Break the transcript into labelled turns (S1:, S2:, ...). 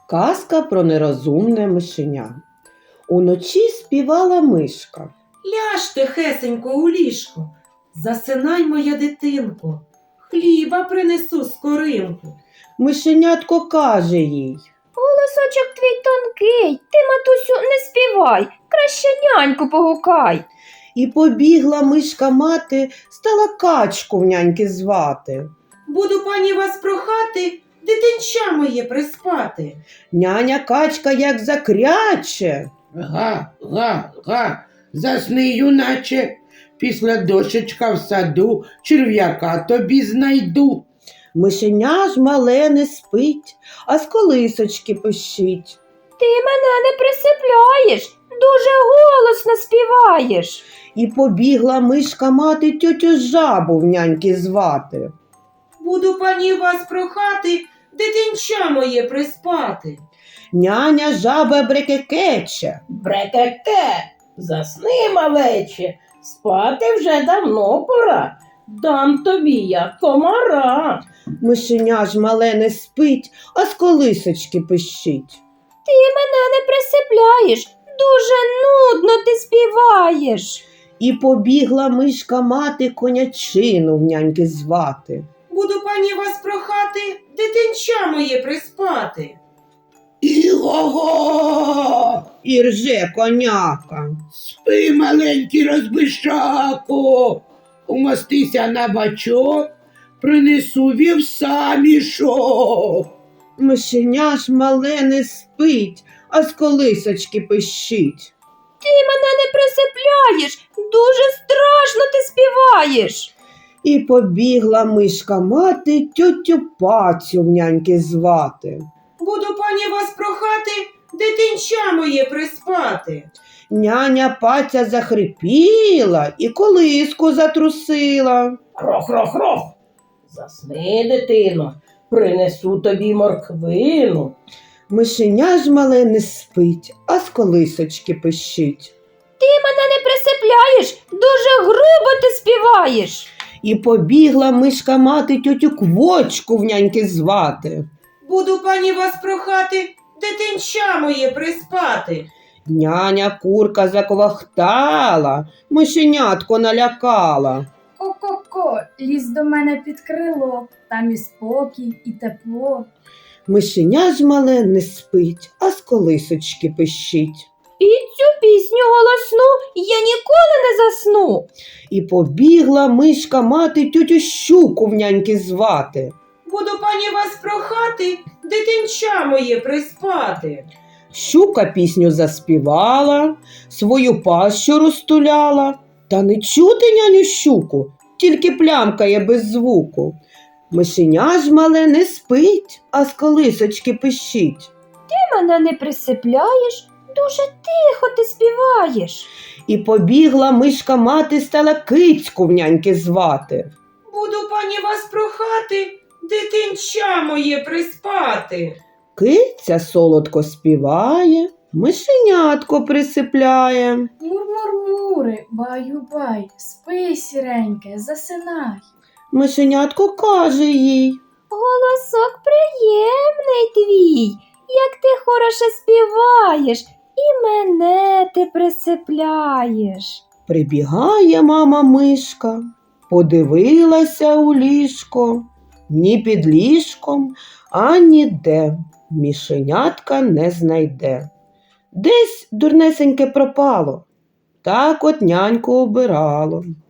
S1: Казка про нерозумне мишеня. Уночі співала мишка.
S2: Ляж тихесенько у ліжко, засинай, моя дитинко, хліба принесу скоринку.
S1: Мишенятко каже їй:
S3: Голосочок твій тонкий, ти, матусю, не співай, краще няньку погукай.
S1: І побігла мишка мати, стала качку в няньки звати.
S2: Буду пані вас прохати, дитинча моє приспати.
S1: Няня качка як закряче.
S4: Га, га, га, засни, юначе, після дощечка в саду черв'яка тобі знайду.
S1: Мишеня ж мале не спить, а з колисочки пищить.
S3: Ти мене не присипляєш, дуже голосно співаєш.
S1: І побігла мишка мати тьотю жабу в няньки звати.
S2: Буду пані вас прохати, дитинча моє приспати.
S1: Няня жаба брекекече.
S5: Брекете, засни, малече, спати вже давно пора. Дам тобі я комара.
S1: Мишеня ж мале не спить, а з колисочки пищить.
S3: Ти мене не присипляєш, дуже нудно ти співаєш.
S1: І побігла мишка мати конячину в няньки звати.
S2: Буду пані вас прохати, дитинча моє приспати.
S4: Іго-го!
S1: І рже коняка.
S4: Спи, маленький розбишако, умостися на бачок, принесу вівса мішок.
S1: Мишеня ж мале не спить, а з колисочки пищить.
S3: Ти мене не присипляєш, дуже страшно ти співаєш.
S1: І побігла мишка мати тьотю Пацю в няньки звати.
S2: Буду пані вас прохати, дитинча моє приспати.
S1: Няня Паця захрипіла і колиску затрусила.
S5: Рох-рох-рох, засни, дитино, принесу тобі морквину.
S1: Мишеня ж мале не спить, а з колисочки пищить.
S3: Ти мене не присипляєш, дуже грубо ти співаєш.
S1: І побігла мишка мати тьотю Квочку в няньки звати.
S2: Буду пані вас прохати, дитинча моє приспати.
S1: Няня курка заквахтала, мишенятко налякала.
S6: Ко-ко-ко, лізь до мене під крило, там і спокій, і тепло.
S1: Мишеня ж мале не спить, а з колисочки пищить.
S3: Під цю пісню голосну я ніколи не засну.
S1: І побігла мишка мати тьотю Щуку в няньки звати.
S2: Буду пані вас прохати, дитинча моє приспати.
S1: Щука пісню заспівала, свою пащу розтуляла. Та не чути няню Щуку, тільки плямкає без звуку. Мишеня ж мале не спить, а з колисочки пищить.
S3: Ти мене не присипляєш, дуже тихо ти співаєш.
S1: І побігла мишка мати, стала кицьку в няньки звати.
S2: Буду пані вас прохати, дитинча моє приспати.
S1: Киця солодко співає, мишенятко присипляє.
S6: Мур-мур-мури, баю-бай, спи, сіреньке, засинай.
S1: Мишенятко каже їй:
S3: Голосок приємний твій, як ти хороше співаєш, і мене ти присипляєш.
S1: прибігає мама мишка, подивилася у ліжко, ні під ліжком, а ніде мишенятка не знайде. Десь дурнесеньке пропало, так от няньку обирало.